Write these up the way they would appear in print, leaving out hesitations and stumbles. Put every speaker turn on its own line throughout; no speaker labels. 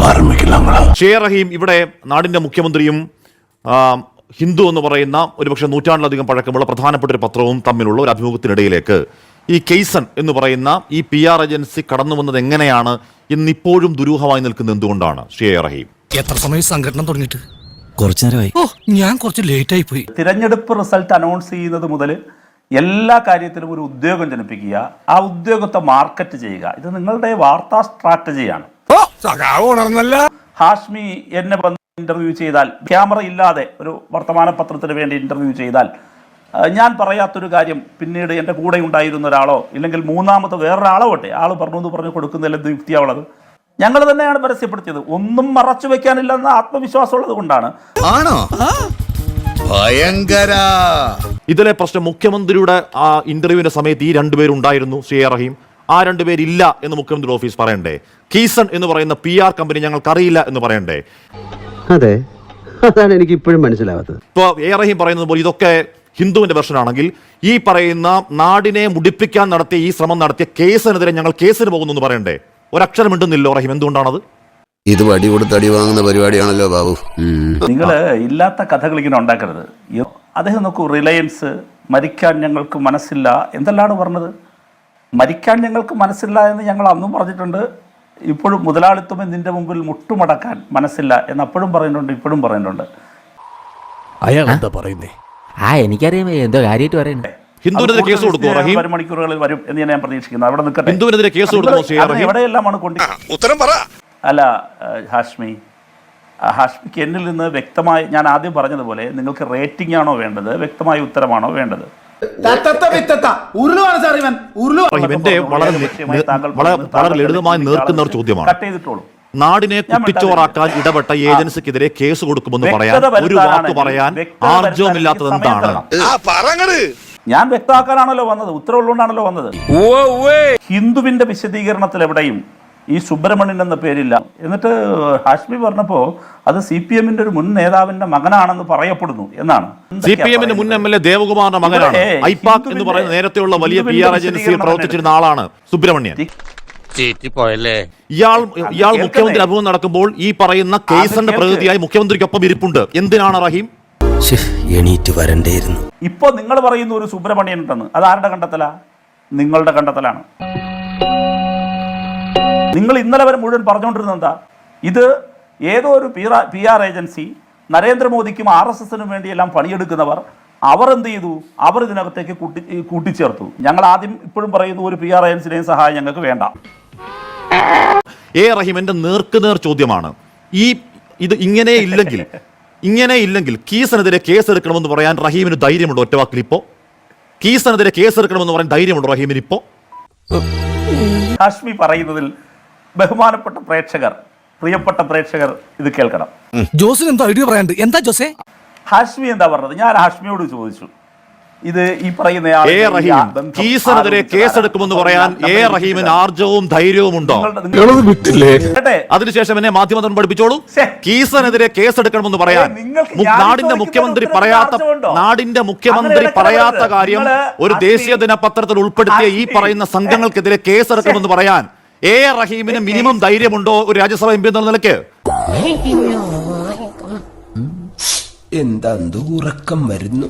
റഹീം ഇവിടെ നാടിന്റെ മുഖ്യമന്ത്രിയും ഹിന്ദു എന്ന് പറയുന്ന ഒരുപക്ഷെ നൂറ്റാണ്ടിലധികം പഴക്കമുള്ള പ്രധാനപ്പെട്ട ഒരു പത്രവും തമ്മിലുള്ള ഒരു അഭിമുഖത്തിനിടയിലേക്ക് ഈ കെയ്സൺ എന്ന് പറയുന്ന ഈ PR ഏജൻസി കടന്നു വന്നത് എങ്ങനെയാണ് ഇന്നിപ്പോഴും ദുരൂഹമായി നിൽക്കുന്നത് എന്തുകൊണ്ടാണ് റഹീം?
എത്ര സമയം സംഘടന തുടങ്ങിയിട്ട്? കുറച്ചു നേരമായി. ഞാൻ കുറച്ച് ലേറ്റ് ആയി പോയി.
തിരഞ്ഞെടുപ്പ് റിസൾട്ട് അനൗൺസ് ചെയ്യുന്നത് മുതൽ എല്ലാ കാര്യത്തിലും ഒരു ഉദ്യോഗം ജനിപ്പിക്കുക, ആ ഉദ്യോഗത്തെ മാർക്കറ്റ് ചെയ്യുക. ഇത് നിങ്ങളുടെ വാർത്താ സ്ട്രാറ്റജിയാണ്. ഹാഷ്മി എന്നെ ഇന്റർവ്യൂ ചെയ്താൽ, ക്യാമറ ഇല്ലാതെ ഒരു വർത്തമാന പത്രത്തിന് വേണ്ടി ഇന്റർവ്യൂ ചെയ്താൽ, ഞാൻ പറയാത്തൊരു കാര്യം പിന്നീട് എൻ്റെ കൂടെ ഉണ്ടായിരുന്ന ഒരാളോ ഇല്ലെങ്കിൽ മൂന്നാമത്തെ വേറൊരാളോ ആട്ടെ ആൾ പറഞ്ഞു കൊടുക്കുന്നതിൽ എന്ത് യുക്തിയാവുള്ളത്? ഞങ്ങൾ തന്നെയാണ് പരസ്യപ്പെടുത്തിയത്. ഒന്നും മറച്ചു വെക്കാനില്ലെന്ന ആത്മവിശ്വാസമുള്ളത് കൊണ്ടാണ്.
ഇതിലെ പ്രശ്നം മുഖ്യമന്ത്രിയുടെ ആ ഇന്റർവ്യൂവിന്റെ സമയത്ത് ഈ രണ്ടുപേരും ഉണ്ടായിരുന്നു റഹീം. ആ രണ്ടുപേരില്ല എന്ന് മുഖ്യമന്ത്രി ഓഫീസ് പറയണ്ടേ? കീസൺ എന്ന് പറയുന്ന PR കമ്പനി ഞങ്ങൾക്കറിയില്ല എന്ന് പറയണ്ടേ?
അതെ, അതാണ് എനിക്ക് ഇപ്പോഴും മനസ്സിലാവാത്തത്.
ഇപ്പോൾ റഹീം പറയുന്നത് പോലെ ഇതൊക്കെ ഹിന്ദുവിന്റെ വെർഷനാണെങ്കിൽ ഈ പറയുന്ന നാടിനെ മുടിപ്പിക്കാൻ നടത്തിയ ഈ ശ്രമം നടത്തിയ കേസിനെതിരെ ഞങ്ങൾ കേസിന് പോകുന്നു എന്ന് പറയണ്ടേ? ഒരക്ഷരം ഉണ്ടെന്നില്ലോ റഹീം, എന്തുകൊണ്ടാണത്?
ഇത് വടി കൊടുത്ത് അടി വാങ്ങുന്ന പരിപാടിയാണല്ലോ ബാബു.
നിങ്ങൾ ഇല്ലാത്ത കഥകൾ ഇങ്ങനെ ഉണ്ടാക്കരുത്. അദ്ദേഹം നോക്കൂ, റിലയൻസ് മരിക്കാൻ ഞങ്ങൾക്ക് മനസ്സില്ല എന്തെല്ലാണ് പറഞ്ഞത്? മരിക്കാൻ ഞങ്ങൾക്ക് മനസ്സില്ല എന്ന് ഞങ്ങൾ അന്നും പറഞ്ഞിട്ടുണ്ട്. ഇപ്പോഴും മുതലാളിത്തം നിന്റെ മുമ്പിൽ മുട്ടുമടക്കാൻ മനസ്സില്ല എന്ന് അപ്പോഴും പറയുന്നുണ്ട്, ഇപ്പോഴും പറയുന്നുണ്ട്.
അയാൾ എന്താ പറയുന്നേ?
എനിക്കറിയാം എന്തോ കാര്യമായിട്ട് പറയുന്നത്.
ഹിന്ദുവിനെതിരെ കേസ് കൊടുക്കുമോ റഹീം?
മണിക്കൂറുകളിൽ വരും എന്ന് ഞാൻ പ്രതീക്ഷിക്കുന്നു. അവിടെ നിൽക്കട്ടെ.
ഹിന്ദുവിനെതിരെ കേസ് കൊടുക്കുമോ?
എവിടെയെല്ലാമാണ് ഉത്തരം പറ. അല്ല ഹാഷ്മിക്ക് എന്നിൽ നിന്ന് വ്യക്തമായി, ഞാൻ ആദ്യം പറഞ്ഞതുപോലെ നിങ്ങൾക്ക് റേറ്റിംഗ് ആണോ വേണ്ടത്, വ്യക്തമായ ഉത്തരമാണോ വേണ്ടത്?
എന്റെ വളരെ ലളിതമായി നേർക്കുന്ന ഒരു ചോദ്യമാണ്.
കട്ട് ചെയ്തിട്ടോളൂ.
നാടിനെ കുട്ടിച്ചോറാക്കാൻ ഇടപെട്ട ഏജൻസിക്കെതിരെ കേസ് കൊടുക്കുമെന്ന് പറയാൻ ഒരു വാക്ക് പറയാൻ ആർജവമില്ലാത്തത് എന്താണ്?
ഞാൻ വ്യക്തമാക്കാനാണല്ലോ വന്നത്, ഉത്തരവുള്ളതുകൊണ്ടാണല്ലോ വന്നത്. ഹിന്ദുവിന്റെ വിശദീകരണത്തിൽ എവിടെയും ഈ സുബ്രഹ്മണ്യൻ എന്ന പേരില്ല. എന്നിട്ട് ഹാഷ്മി പറഞ്ഞപ്പോ അത് CPM ഒരു മുൻ നേതാവിന്റെ മകനാണെന്ന് പറയപ്പെടുന്നു എന്നാണ്.
CPM മുൻ MLA ദേവകുമാറിന്റെ മകനാണ്. ഐപാക് എന്ന് പറയുന്ന നേരത്തെയുള്ള വലിയ PR ഏജൻസിയിൽ പ്രവർത്തിച്ചിരുന്ന ആളാണ് സുബ്രഹ്മണ്യൻ. ഇയാൾ മുഖ്യമന്ത്രി അഭിമുഖം നടക്കുമ്പോൾ ഈ പറയുന്ന കേസിന്റെ പ്രതിനിധിയായി മുഖ്യമന്ത്രിക്കൊപ്പം ഇരിപ്പുണ്ട്. എന്തിനാണ് റഹീം?
എണീറ്റ് വരണ്ടേയിരുന്നു.
ഇപ്പൊ നിങ്ങൾ പറയുന്ന ഒരു സുബ്രഹ്മണ്യൻ ഉണ്ടെന്ന്, അത് ആരുടെ കണ്ടെത്തലാ? നിങ്ങളുടെ കണ്ടെത്തലാണ്. നിങ്ങൾ ഇന്നലെ വരെ മുഴുവൻ പറഞ്ഞുകൊണ്ടിരുന്നത് എന്താ? ഇത് ഏതോ ഒരു PR ഏജൻസി, നരേന്ദ്രമോദിക്കും RSSനും വേണ്ടിയെല്ലാം പണിയെടുക്കുന്നവർ, അവർ എന്ത് ചെയ്തു? അവർ ഇതിനകത്തേക്ക് കൂട്ടിച്ചേർത്തു. ഞങ്ങൾ ആദ്യം ഇപ്പോഴും പറയുന്നു ഒരു PR ഏജൻസിയുടെയും സഹായം ഞങ്ങൾക്ക് വേണ്ട.
റഹീം, എന്റെ നേർക്കുനേർ ചോദ്യമാണ്. ഇത് ഇങ്ങനെ ഇല്ലെങ്കിൽ കീസനെതിരെ കേസെടുക്കണമെന്ന് പറയാൻ റഹീമിന് ധൈര്യമുണ്ടോ? ഒറ്റ വാക്കിൽ ഇപ്പോ കീസനെതിരെ കേസെടുക്കണമെന്ന് പറയാൻ ധൈര്യമുണ്ടോ റഹീമിന് ഇപ്പോ?
ഹാഷ്മി പറയുന്നതിൽ ബഹുമാനപ്പെട്ട പ്രേക്ഷകർ, പ്രിയപ്പെട്ട പ്രേക്ഷകർ ഇത് കേൾക്കണം.
ജോസിന് എന്തോ ഐഡിയ പറയാണ്ട്. എന്താ ജോസേ?
ഹാഷ്മി എന്താ പറഞ്ഞത്? ഞാൻ ഹാഷ്മിയോട് ചോദിച്ചു, ഇത് ഈ പറയുന്ന
കീസനെതിരെ കേസെടുക്കുമെന്ന് പറയാൻ റഹീമിന് ആർജവും ധൈര്യവും ഉണ്ടോ? അതിനുശേഷം എന്നെ മാധ്യമത്തിൽ പഠിപ്പിച്ചോളൂ. കീസനെതിരെ കേസെടുക്കണമെന്ന് പറയാൻ നാടിന്റെ മുഖ്യമന്ത്രി പറയാത്ത കാര്യം ഒരു ദേശീയ ദിനപത്രത്തിൽ ഉൾപ്പെടുത്തിയ ഈ പറയുന്ന സംഘങ്ങൾക്കെതിരെ കേസെടുക്കണമെന്ന് പറയാൻ റഹീമിന് മിനിമം ധൈര്യമുണ്ടോ ഒരു രാജ്യസഭ MP എന്ന നിലയ്ക്ക്?
എന്താ ഉറക്കം വരുന്നു?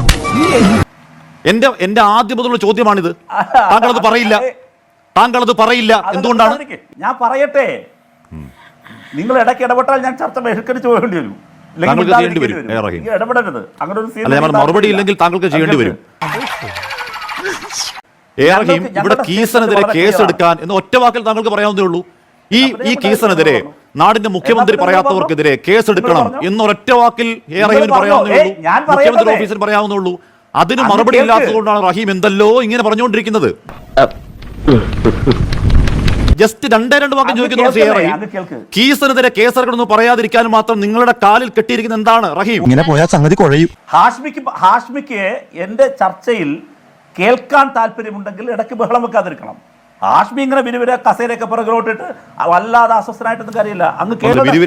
എന്റെ ആദ്യം മുതലുള്ള ചോദ്യമാണിത്. താങ്കളത് പറയില്ല. എന്തുകൊണ്ടാണ്?
ഞാൻ പറയട്ടെ. നിങ്ങൾ ഇടയ്ക്ക് ഇടപെട്ടാൽ ഞാൻ ചർച്ച ബഹിഷ്കരിച്ച് പോകേണ്ടി വരും. ഇടപെടരുത്. അങ്ങനെ ഒരു
മറുപടി ഇല്ലെങ്കിൽ താങ്കൾക്ക് ചെയ്യേണ്ടി വരും. ഇവിടെ കീസനെതിരെ കേസെടുക്കാൻ എന്ന് ഒറ്റ വാക്കിൽ താങ്കൾക്ക് പറയാവുന്നേ ഉള്ളൂ. ഈ കേസിനെതിരെ നാടിന്റെ മുഖ്യമന്ത്രി പറയാത്തവർക്കെതിരെ കേസെടുക്കണം എന്നൊരൊറ്റ വാക്കിൽ റഹീമിന് പറയാവുന്നേ ഉള്ളൂ, മുഖ്യമന്ത്രി ഓഫീസിൽ പറയാവുന്നുള്ളൂ. അതിന് മറുപടി ഇല്ലാത്തതുകൊണ്ടാണ് റഹീം എന്തല്ലോ ഇങ്ങനെ പറഞ്ഞുകൊണ്ടിരിക്കുന്നത്. ജസ്റ്റ് രണ്ട് വാക്യം ചോദിക്കുന്നു. കീസിനെതിരെ കേസെടുക്കണമെന്ന് പറയാതിരിക്കാൻ മാത്രം നിങ്ങളുടെ കാലിൽ കെട്ടിയിരിക്കുന്ന എന്താണ് റഹീം?
ഇങ്ങനെ പോയാൽ സംഗതി കുഴയും.
ഹാഷ്മിക്ക് എന്റെ ചർച്ചയിൽ കേൾക്കാൻ താല്പര്യമുണ്ടെങ്കിൽ ഇടയ്ക്ക് ബഹളം വെക്കാതിരിക്കണം. ഹാഷ്മി ഇങ്ങനെ വിരുവിര കസേരയൊക്കെ പുറകിലോട്ടിട്ട് വല്ലാതെ അസ്വസ്ഥനായിട്ടൊന്നും കാര്യമില്ല. അങ്ങ്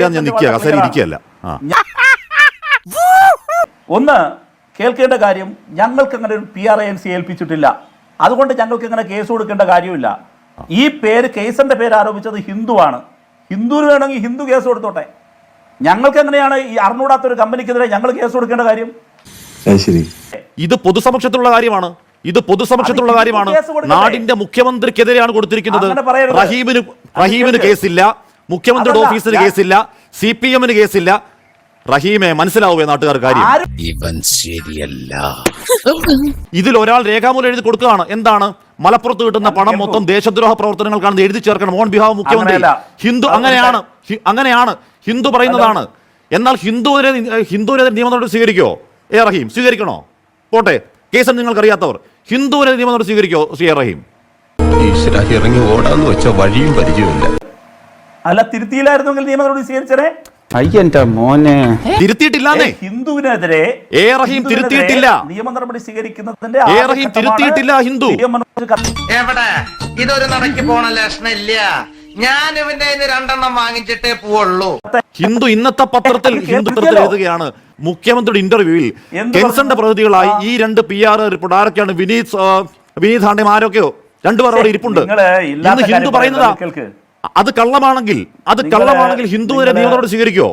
ഒന്ന് കേൾക്കേണ്ട കാര്യം, ഞങ്ങൾക്ക് അങ്ങനെ ഒരു PR ഏജൻസി ഏൽപ്പിച്ചിട്ടില്ല. അതുകൊണ്ട് ഞങ്ങൾക്ക് ഇങ്ങനെ കേസ് കൊടുക്കേണ്ട കാര്യമില്ല. ഈ പേര്, കേസിന്റെ പേര് ആരോപിച്ചത് ഹിന്ദുവാണ്. ഹിന്ദുവിന് വേണമെങ്കിൽ ഹിന്ദു കേസ് കൊടുത്തോട്ടെ. ഞങ്ങൾക്ക് എങ്ങനെയാണ് ഈ അറിഞ്ഞൂടാത്തൊരു കമ്പനിക്കെതിരെ ഞങ്ങൾ കേസ് കൊടുക്കേണ്ട കാര്യം?
ഇത് പൊതുസമക്ഷത്തിലുള്ള കാര്യമാണ്. ഇത് പൊതുസമക്ഷത്തിലുള്ള കാര്യമാണ്. നാടിന്റെ മുഖ്യമന്ത്രിക്കെതിരെയാണ് കൊടുത്തിരിക്കുന്നത്. റഹീമിന് കേസില്ല, മുഖ്യമന്ത്രിയുടെ ഓഫീസിന് കേസില്ല, CPM-ന് കേസില്ല. റഹീമെ, മനസ്സിലാവുമേ നാട്ടുകാർ കാര്യം?
ഇവൻ ശരിയല്ല.
ഇതിൽ ഒരാൾ രേഖാമൂലം എഴുതി കൊടുക്കുകയാണ്. എന്താണ്? മലപ്പുറത്ത് കിട്ടുന്ന പണം മൊത്തം ദേശദ്രോഹ പ്രവർത്തനങ്ങൾക്കാണെന്ന് എഴുതി ചേർക്കണം ഓൺ ബിഹാഫ് മുഖ്യമന്ത്രി. ഹിന്ദു അങ്ങനെയാണ് ഹിന്ദു പറയുന്നതാണ്. എന്നാൽ ഹിന്ദുവിനെതിരെ നിയമ നടപടി സ്വീകരിക്കോ റഹീം? സ്വീകരിക്കണോ? പോട്ടെ, കേസ് നിങ്ങൾക്കറിയാത്തവർ. ഹിന്ദുവിനെതിരെ നിയമ നടപടി സ്വീകരിക്കോ റഹീം?
ഇറങ്ങി ഓടാന്ന് വെച്ച വഴിയും പരിചയമില്ല.
അല്ല, തിരുത്തിയില്ലായിരുന്നെങ്കിൽ നിയമ നടപടി സ്വീകരിച്ചേ.
അയ്യന്റെ മോനെ,
തിരുത്തിയിട്ടില്ലാന്നേ.
ഹിന്ദുവിനെതിരെ
റഹീം തിരുത്തിയിട്ടില്ല.
നിയമ നടപടി സ്വീകരിക്കുന്നതിന്റെ
റഹീം തിരുത്തിയിട്ടില്ല. ഹിന്ദു
എവിടെ ഇതൊരു നടക്കി പോണ ലക്ഷണില്ല. ഞാൻ ഇവന്റെ 2 വാങ്ങിച്ചിട്ടേ പോവുള്ളൂ.
ഹിന്ദു ഇന്നത്തെ പത്രത്തിൽ എഴുതുകയാണ്, മുഖ്യമന്ത്രിയുടെ ഇന്റർവ്യൂവിൽ കെൻസന്റെ പ്രതിനിധികളായി ഈ 2 PR റിപ്പോർട്ട് ആരൊക്കെയാണ്? വിനീത് ഹാണ്ടേം ആരൊക്കെയോ 2 പേർ അവിടെ ഇരിപ്പുണ്ട്. ഇന്ന് ഹിന്ദു പറയുന്നതാ. അത് കള്ളമാണെങ്കിൽ ഹിന്ദുവിനെ നിയമ നടപടി സ്വീകരിക്കോ?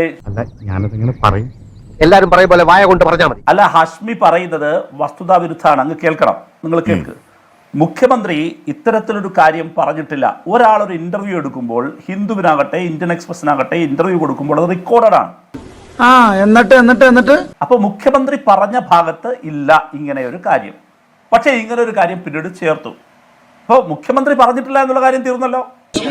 എല്ലാരും പറയും പോലെ വായ കൊണ്ട് പറഞ്ഞാൽ മതി.
അല്ല, ഹാഷ്മി പറയുന്നത് വസ്തുതാ വിരുദ്ധാണ്. അങ്ങ് കേൾക്കണം, നിങ്ങൾ കേൾക്ക്. മുഖ്യമന്ത്രി ഇത്തരത്തിലൊരു കാര്യം പറഞ്ഞിട്ടില്ല. ഒരാളൊരു ഇന്റർവ്യൂ എടുക്കുമ്പോൾ, ഹിന്ദുവിനാകട്ടെ ഇന്ത്യൻ എക്സ്പ്രസിനാകട്ടെ ഇന്റർവ്യൂ കൊടുക്കുമ്പോൾ അത് റെക്കോർഡഡ് ആണ്.
എന്നിട്ട്
അപ്പൊ മുഖ്യമന്ത്രി പറഞ്ഞ ഭാഗത്ത് ഇല്ല ഇങ്ങനെ ഒരു കാര്യം. പക്ഷെ ഇങ്ങനെ ഒരു കാര്യം പിന്നീട് ചേർത്തു. അപ്പൊ മുഖ്യമന്ത്രി പറഞ്ഞിട്ടില്ല എന്നുള്ള കാര്യം തീർന്നല്ലോ.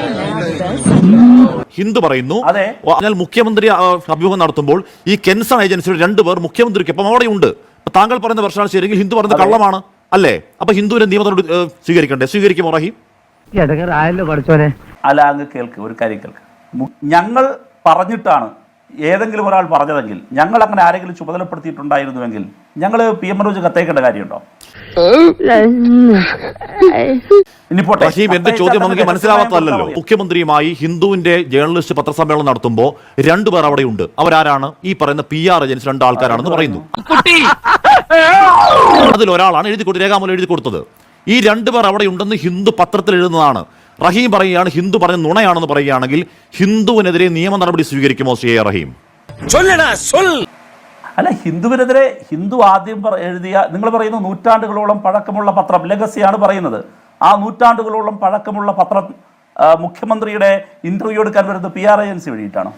ഹിന്ദു പറയുന്നു. അതിനാൽ മുഖ്യമന്ത്രി അഭിമുഖം നടത്തുമ്പോൾ ഈ കെൻസൺ ഏജൻസിയുടെ 2 പേർ മുഖ്യമന്ത്രിക്കൊപ്പം അവിടെ ഉണ്ട്. താങ്കൾ പറയുന്ന പ്രശ്നമാണ് ശരിയെങ്കിൽ ഹിന്ദു പറയുന്നത് കള്ളമാണ് അല്ലേ? അപ്പൊ ഹിന്ദുവിനെ നിയമ നടപടി സ്വീകരിക്കണ്ടേ? സ്വീകരിക്കുമോ റഹീം?
അല്ല, അങ്ങ് കേൾക്ക്, ഒരു കാര്യം കേൾക്ക്. ഞങ്ങൾ പറഞ്ഞിട്ടാണ് ഏതെങ്കിലും ഒരാൾ പറഞ്ഞതെങ്കിൽ, ഞങ്ങൾ അങ്ങനെ ആരെങ്കിലും ചുമതലപ്പെടുത്തിയിട്ടുണ്ടായിരുന്നുവെങ്കിൽ ഞങ്ങൾ PM മനോജ് കത്തയക്കേണ്ട കാര്യമുണ്ടോ?
റഹീം, എന്റെ ചോദ്യം നമുക്ക് മനസ്സിലാവാത്തതല്ലോ. മുഖ്യമന്ത്രിയുമായി ഹിന്ദുവിന്റെ ജേർണലിസ്റ്റ് പത്രസമ്മേളനം നടത്തുമ്പോൾ 2 പേർ അവിടെ ഉണ്ട്. അവരാരാണ്? ഈ പറയുന്ന PR ഏജൻസി 2 ആൾക്കാരാണെന്ന് പറയുന്നു. അതിലൊരാളാണ് രേഖാമൂലം എഴുതി കൊടുത്തത്. ഈ 2 പേർ അവിടെ ഉണ്ടെന്ന് ഹിന്ദു പത്രത്തിൽ എഴുതുന്നതാണ്. റഹീം പറയുകയാണ് ഹിന്ദു പറഞ്ഞ നുണയാണെന്ന് പറയുകയാണെങ്കിൽ ഹിന്ദുവിനെതിരെ നിയമ നടപടി സ്വീകരിക്കുമോ റഹീം?
അല്ല, ഹിന്ദുവിനെതിരെ ഹിന്ദു ആദ്യം എഴുതിയ, നിങ്ങൾ പറയുന്ന നൂറ്റാണ്ടുകളോളം പഴക്കമുള്ള പത്രം ലെഗസിയാണ് പറയുന്നത്. ആ നൂറ്റാണ്ടുകളോളം പഴക്കമുള്ള പത്രം മുഖ്യമന്ത്രിയുടെ ഇന്റർവ്യൂ എടുക്കാൻ വരുന്നത് PR ഏജൻസി വഴിയിട്ടാണോ?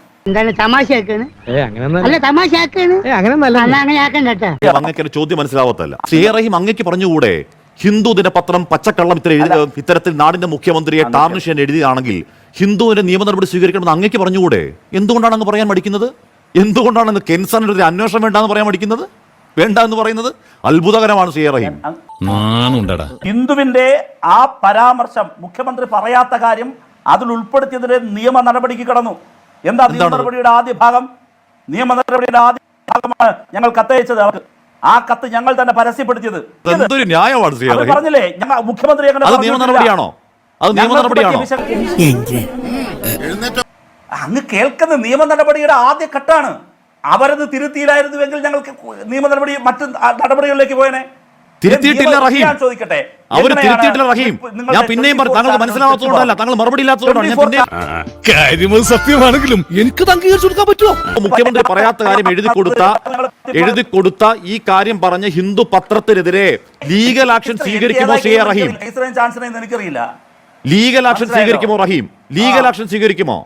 അങ്ങേക്ക് ചോദ്യം മനസ്സിലാവത്തല്ല. റഹീം, അങ്ങേക്ക് പറഞ്ഞുകൂടെ ഹിന്ദു ദിനപത്രം പച്ചക്കള്ളം ഇത്തരത്തിൽ നാടിന്റെ മുഖ്യമന്ത്രിയെ ടാർണിഷ് ചെയ്യാൻ എഴുതിയതാണെങ്കിൽ ഹിന്ദുവിന്റെ നിയമ നടപടി സ്വീകരിക്കണമെന്ന് അങ്ങേക്ക് പറഞ്ഞുകൂടെ? എന്തുകൊണ്ടാണ് അങ്ങ് പറയാൻ മടിക്കുന്നത്? എന്തുകൊണ്ടാണ് കെൻസന്റെ അന്വേഷണം വേണ്ടെന്ന് പറയാൻ മടിക്കുന്നത്? വേണ്ട എന്ന് പറയുന്നത് അത്ഭുതകരമാണ്. റഹീം,
ഹിന്ദുവിന്റെ ആ പരാമർശം, മുഖ്യമന്ത്രി പറയാത്ത കാര്യം അതിൽ ഉൾപ്പെടുത്തിയതിന്റെ നിയമ നടപടിക്ക് കടന്നു. എന്താ നിയമ നടപടിയുടെ ആദ്യ ഭാഗം? നിയമ നടപടിയുടെ ആദ്യ ഭാഗമാണ് ഞങ്ങൾ കത്തയച്ചത് അവർക്ക്. ആ കത്ത് ഞങ്ങൾ തന്നെ പരസ്യപ്പെടുത്തിയത്.
എന്തൊരു ന്യായമാണ്
പറഞ്ഞില്ലേ മുഖ്യമന്ത്രി?
നിയമ നടപടിയാണോ? അത് നിയമ നടപടിയാണോ?
അങ്ങ് കേൾക്കുന്ന നിയമ നടപടിയുടെ ആദ്യ ഘട്ടമാണ്. അവരത് തിരുത്തിയില്ലായിരുന്നുവെങ്കിൽ ഞങ്ങൾക്ക് നിയമ നടപടി മറ്റു നടപടികളിലേക്ക് പോയനെ.
തിരുത്തിയിട്ടില്ല റഹീം.
ചോദിക്കട്ടെ,
അവർ തിരുത്തിയിട്ടില്ല റഹീം. ഞാൻ പിന്നെയും താങ്കൾ മനസ്സിലാവാത്തതുകൊണ്ടല്ല, താങ്കൾ മറുപടി ഇല്ലാത്തതുകൊണ്ടാണ്. സത്യമാണെങ്കിലും എനിക്ക് അംഗീകരിച്ചു കൊടുക്കാൻ പറ്റുമോ? മുഖ്യമന്ത്രി പറയാത്ത കാര്യം എഴുതി കൊടുത്ത ഈ കാര്യം പറഞ്ഞ ഹിന്ദു പത്രത്തിനെതിരെ ലീഗൽ ആക്ഷൻ സ്വീകരിക്കുമോ റഹീം?
എനിക്കറിയില്ല.
ലീഗൽ ആക്ഷൻ സ്വീകരിക്കുമോ റഹീം? ലീഗൽ ആക്ഷൻ സ്വീകരിക്കുമോ?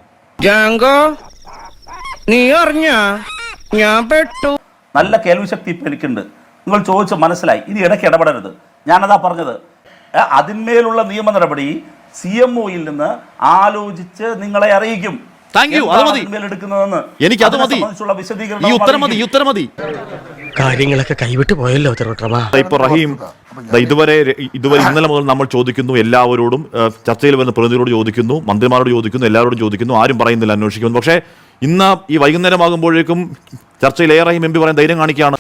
നീ അറിഞ്ഞ ഞാൻ പെട്ടു.
നല്ല കേൾവിശക്തി ഇപ്പൊ എനിക്കുണ്ട്. നിങ്ങൾ ചോദിച്ച മനസ്സിലായി. ഇനി ഇടയ്ക്ക് ഇടപെടരുത്. ഞാനതാ പറഞ്ഞത്. അതിന്മേലുള്ള നിയമ നടപടി CMOയിൽ നിന്ന് ആലോചിച്ച് നിങ്ങളെ അറിയിക്കും.
എനിക്ക് അത് മതി. ഈ ഉത്തരം മതി.
കാര്യങ്ങളൊക്കെ കൈവിട്ട് പോയല്ലോ.
ഇപ്പൊ റഹീം, ഇതുവരെ ഇന്നലെ മുതൽ നമ്മൾ ചോദിക്കുന്നു എല്ലാവരോടും, ചർച്ചയിൽ വരുന്ന പ്രതിനിധികളോട് ചോദിക്കുന്നു, മന്ത്രിമാരോട് ചോദിക്കുന്നു, എല്ലാവരോടും ചോദിക്കുന്നു. ആരും പറയുന്നില്ല, അന്വേഷിക്കുന്നു. പക്ഷേ ഇന്ന് ഈ വൈകുന്നേരമാകുമ്പോഴേക്കും ചർച്ചയിൽ റഹീം MP പറയാൻ ധൈര്യം കാണിക്കുകയാണ്.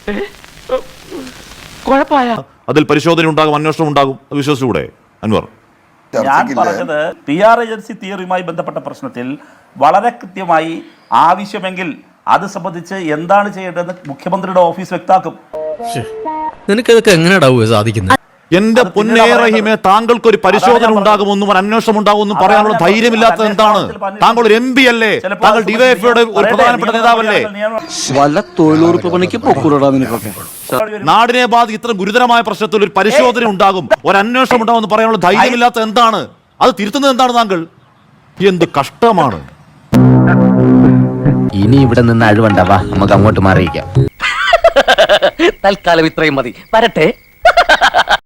അതിൽ പരിശോധന ഉണ്ടാകും, അന്വേഷണം ഉണ്ടാകും. വിശ്വസിച്ചൂടെ അൻവർ?
ഞാൻ പറഞ്ഞത് PR ഏജൻസി തിയറിയുമായി ബന്ധപ്പെട്ട പ്രശ്നത്തിൽ വളരെ കൃത്യമായി ആവശ്യമെങ്കിൽ അത് സംബന്ധിച്ച് എന്താണ് ചെയ്യേണ്ടതെന്ന് മുഖ്യമന്ത്രിയുടെ ഓഫീസ് വ്യക്തമാക്കും.
നിനക്കിതൊക്കെ എങ്ങനെയാ സാധിക്കുന്നത്?
എന്റെ
അത്
പൊന്നേ
പിന്നീട്
റഹീമെ, താങ്കൾക്ക് ഒരു പരിശോധന ഉണ്ടാകുമെന്നും ഒരു അന്വേഷണം ഉണ്ടാകുമെന്നും പറയാനുള്ള ധൈര്യമില്ലാത്തത് എന്താണ്? താങ്കൾ ഒരു MP അല്ലേ? താങ്കൾ ഡിവൈഎഫ്ഐയുടെ ഒരു പ്രധാനപ്പെട്ട നേതാവല്ലേ?
വല്ല തൊഴിലുറപ്പ് പണിക്ക് പൊക്കൂടാ നിനക്കൊക്കെ.
നാടിനെ ബാധി ഇത്ര ഗുരുതരമായ പ്രശ്നത്തിൽ ഒരു പരിശോധന ഉണ്ടാകും, ഒരു അന്വേഷണം ഉണ്ടാകുമെന്ന് പറയാനുള്ള ധൈര്യമില്ലാത്ത എന്താണ്? അത് തിരുത്തുന്നത് എന്താണ് താങ്കൾ? എന്ത് കഷ്ടമാണ്.
ഇനി ഇവിടെ നിന്ന് അഴിവണ്ടാവാ, നമുക്ക് അങ്ങോട്ട് മാറിയിക്കാം.
തൽക്കാലം ഇത്രയും മതി. വരട്ടെ.